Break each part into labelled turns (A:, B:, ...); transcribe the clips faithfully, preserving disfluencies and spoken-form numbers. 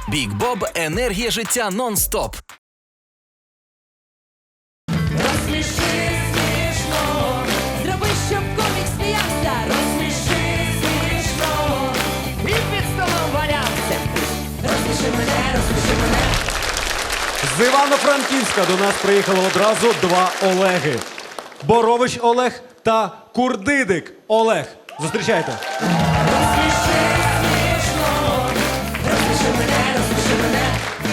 A: Бік Боб – енергія життя нон-стоп.
B: Розсміши смішно, зроби, щоб комік сміявся. Розсміши смішно, і під столом валявся. Розсміши мене, розсміши мене.
C: З Івано-Франківська до нас приїхало одразу два Олеги. Борович Олег та Курдидик Олег. Зустрічайте.
B: Розсміши смішно, розсміши мене, розсміши мене.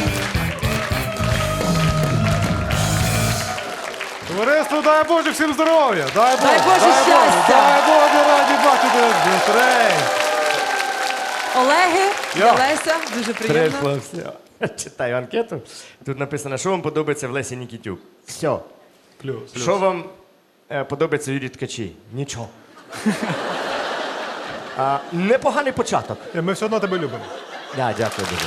D: Товариство, дай Боже всім здоров'я! Дай Боже,
B: Дай Боже щастя!
D: Дай Боже, раді бачити зустрей!
E: Олеги,
D: Я.
E: Леся, дуже приємно.
F: Прийшло все. Читаю анкету. Тут написано, що вам подобається в Лесі Нікітюк. Все.
D: Плюс.
F: Що вам е, подобається в Юрії Ткачі? Нічого. а, непоганий початок.
D: Ми все одно тебе любимо.
F: Да, дякую дуже.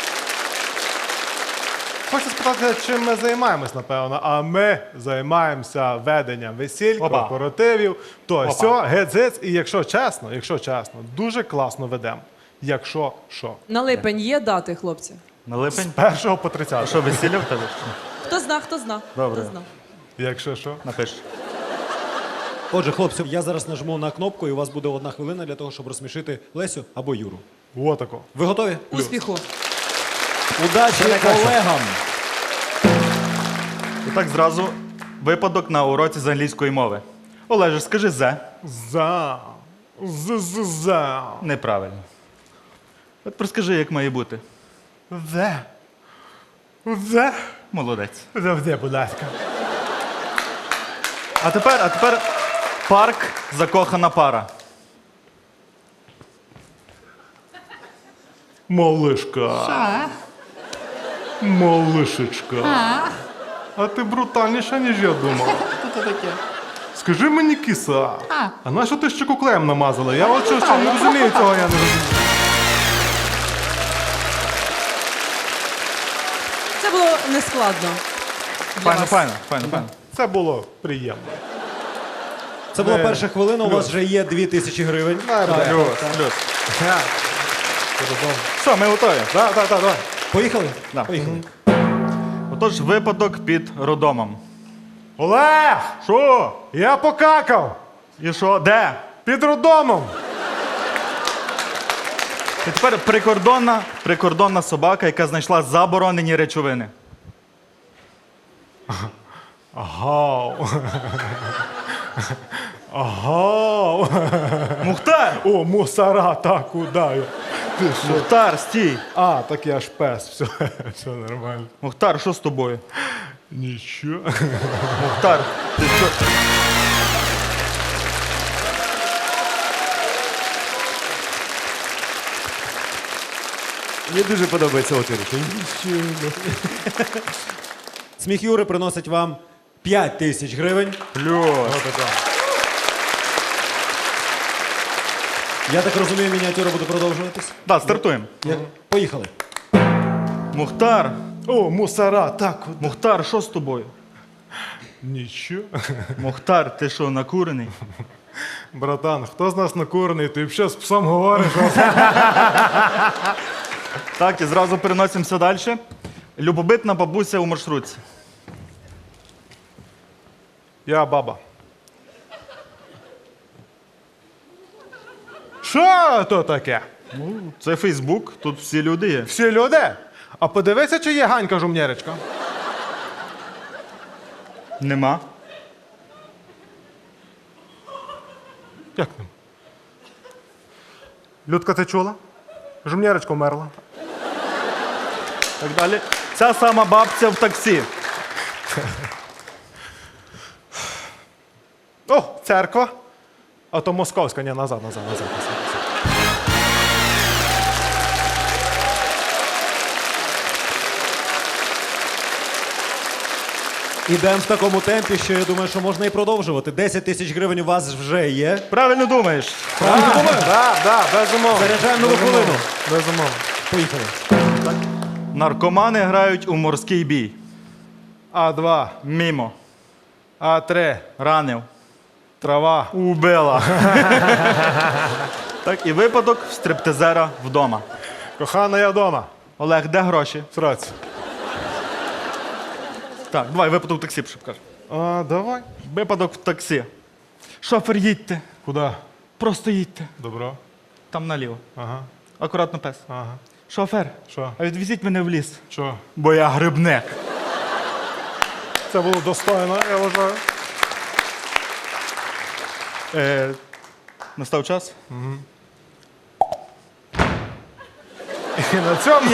D: Хочу спитати, чим ми займаємось, напевно. А ми займаємося веденням весіль,
G: Опа.
D: корпоративів, то
G: Опа.
D: сьо, гець-гець. І якщо чесно, якщо чесно, дуже класно ведемо. Якщо що.
E: На липень є дати, хлопці?
G: На липень?
D: Першого по тридцяте.
G: Що, весілля в тебе?
E: Хто зна, хто зна.
G: Добре.
E: Хто зна.
D: Якщо що.
G: Напиш.
C: Отже, хлопці, я зараз нажму на кнопку, і у вас буде одна хвилина для того, щоб розсмішити Лесю або Юру.
D: Во тако.
C: Ви готові?
E: Успіху.
C: Удачі колегам!
G: І так зразу випадок на уроці з англійської мови. Олеже, скажи «зе».
D: За. З-з-за.
G: Неправильно. От розкажи, як має бути.
D: Де? Де?
G: Молодець.
D: Завжди, будь ласка.
G: А тепер, а тепер парк закохана пара.
D: Малишка. Малишечка. А ти брутальніша, ніж я думав. Скажи мені, киса, а на що ти ще куклеєм намазала? Я от що, що не розумію цього, я не розумію.
E: Це було нескладно. для
G: Файно,
E: вас.
G: файно, файно, файно.
D: Це було приємно.
C: Це була
D: Е,
C: перша хвилина, у вас
D: плюс.
C: вже є дві тисячі гривень.
D: Так, так.
G: Плюс, плюс. Все, ми готові.
D: Так, так, так, так.
C: Поїхали?
G: Да.
C: Поїхали.
G: Отож, випадок під роддомом.
D: Олег!
G: Що?
D: Я покакав!
G: І що? Де?
D: Під роддомом!
G: І тепер прикордонна, прикордонна собака, яка знайшла заборонені речовини.
D: Агау. Агау.
G: Мухтар!
D: О, мусора, так, куди я? Ти що?
G: Мухтар, стій!
D: А, так я ж пес, все, все нормально.
G: Мухтар, що з тобою?
D: Нічого.
G: Мухтар, ти що?
F: Мені дуже подобається отвір.
C: Сміх Юри приносить вам п'ять тисяч гривень.
G: Плюс.
C: Я так розумію, мініатюра буде продовжуватись.
G: Так, стартуємо.
C: Я- Поїхали.
G: Мухтар,
D: О, мусора, так, куди?
G: Мухтар, що з тобою?
D: Нічого.
G: Мухтар, ти що, накурений?
D: Братан, хто з нас накурений? Ти ще з псом говориш?
G: Так, і зразу переносимося далі. Любобитна бабуся у маршрутці.
D: Я баба. Що то таке?
G: Це Фейсбук, тут всі люди є.
D: Всі люди? А подивися, чи є Ганька Жумнєречка.
G: Нема.
D: Як нема? Людка, ти чула? Жумнєречка вмерла.
G: Так далі. Ця сама бабця в таксі.
D: О, церква. А то московська, ні, назад, назад, назад. назад.
C: Ідемо в такому темпі, що я думаю, що можна і продовжувати. десять тисяч гривень у вас вже є.
G: Правильно думаєш?
C: Правильно думаю?
D: Так, так, безумовно.
C: Заряджаємо нову
D: Безумовно.
C: хвилину.
D: Безумовно.
C: Поїхали.
G: Наркомани грають у морський бій.
D: А два,
G: Мімо.
D: А три,
G: Ранив.
D: трава.
G: Убила. Так, і випадок в стриптизера вдома.
D: Кохана, я вдома.
G: Олег, де гроші?
D: Сраць.
G: Так, давай, випадок в таксі, щоб кажеш.
D: А, давай.
G: Випадок в таксі. Шофер, їдьте.
D: Куди?
G: Просто їдьте.
D: Добро.
G: Там наліво.
D: Ага.
G: Акуратно пес.
D: Ага.
G: Шофер,
D: Що?
G: а відвезіть мене в ліс.
D: Що?
G: Бо я грибник.
D: Це було достойно, я вважаю.
G: Е, настав час?
D: І на цьому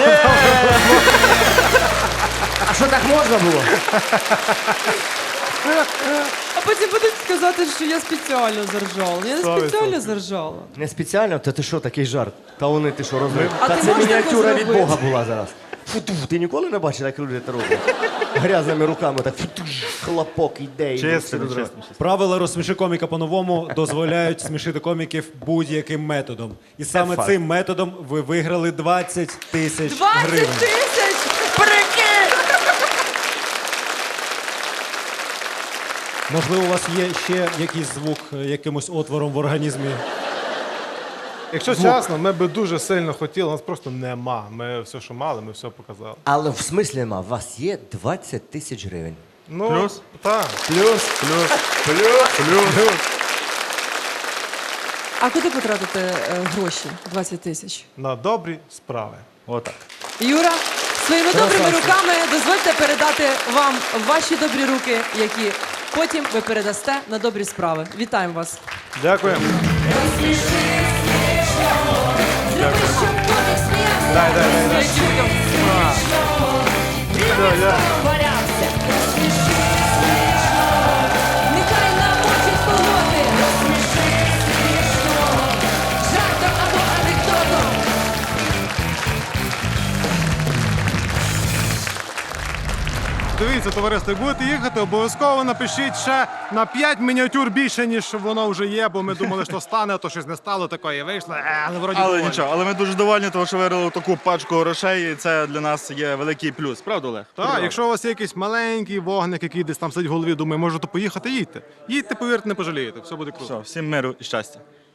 F: А що так можна було?
E: А потім будуть сказати, що я спеціально заржала. Я не
D: Сто
E: спеціально
D: відсотків.
E: заржала.
F: Не спеціально, та ти що, такий жарт? Та вони ти що розумієш?
E: А
F: Та
E: ти
F: це
E: можеш
F: мініатюра
E: таке
F: від
E: зробити?
F: Бога була зараз. Фу-ту, ти ніколи не бачив, як люди це роблять? Грязними руками так фу-ту, хлопок іде. і
G: Чесно,
F: всі розривають.
G: чесно.
C: Правила розсміши коміка по-новому дозволяють смішити коміків будь-яким методом. І саме
F: факт.
C: цим методом ви виграли двадцять тисяч
E: двадцять
C: гривень.
E: тисяч! Прикинь!
C: Можливо, у вас є ще якийсь звук е, якимось отвором в організмі.
D: Якщо чесно, ми би дуже сильно хотіли, нас просто нема. Ми все, що мали, ми все показали.
F: Але в смислі нема, у вас є двадцять тисяч гривень.
D: Ну,
G: Плюс?
D: Так.
F: Плюс, плюс, плюс, плюс.
E: А куди потратити е, гроші? двадцять тисяч.
D: На добрі справи.
G: Отак.
E: Юра, своїми добрими руками дозвольте передати вам ваші добрі руки, які потім ви передасте на добрі справи. Вітаємо вас.
D: Дякуємо.
B: Зроби, щоб комік сміявся.
D: Дай, дай, дай, дай. Все, я.
B: Валявся. Розсміши смішно. Нехай намочить колоти. Розсміши смішно. Жартом або анекдотом.
D: Дивіться, товариство, як будете їхати, обов'язково напишіть ще на п'ять мініатюр більше, ніж воно вже є, бо ми думали, що стане, а то щось не стало такої, вийшло, е, але вроді
G: Але
D: доволі.
G: нічого, але ми дуже довольні, тому що виграли таку пачку грошей, і це для нас є великий плюс. Правда, Олег?
D: Так, якщо у вас є якийсь маленький вогник, який десь там сидить в голові, думає, може то поїхати, їдьте. Їдьте, повірте, не пожалієте, все буде круто.
G: Все, всім миру і щастя.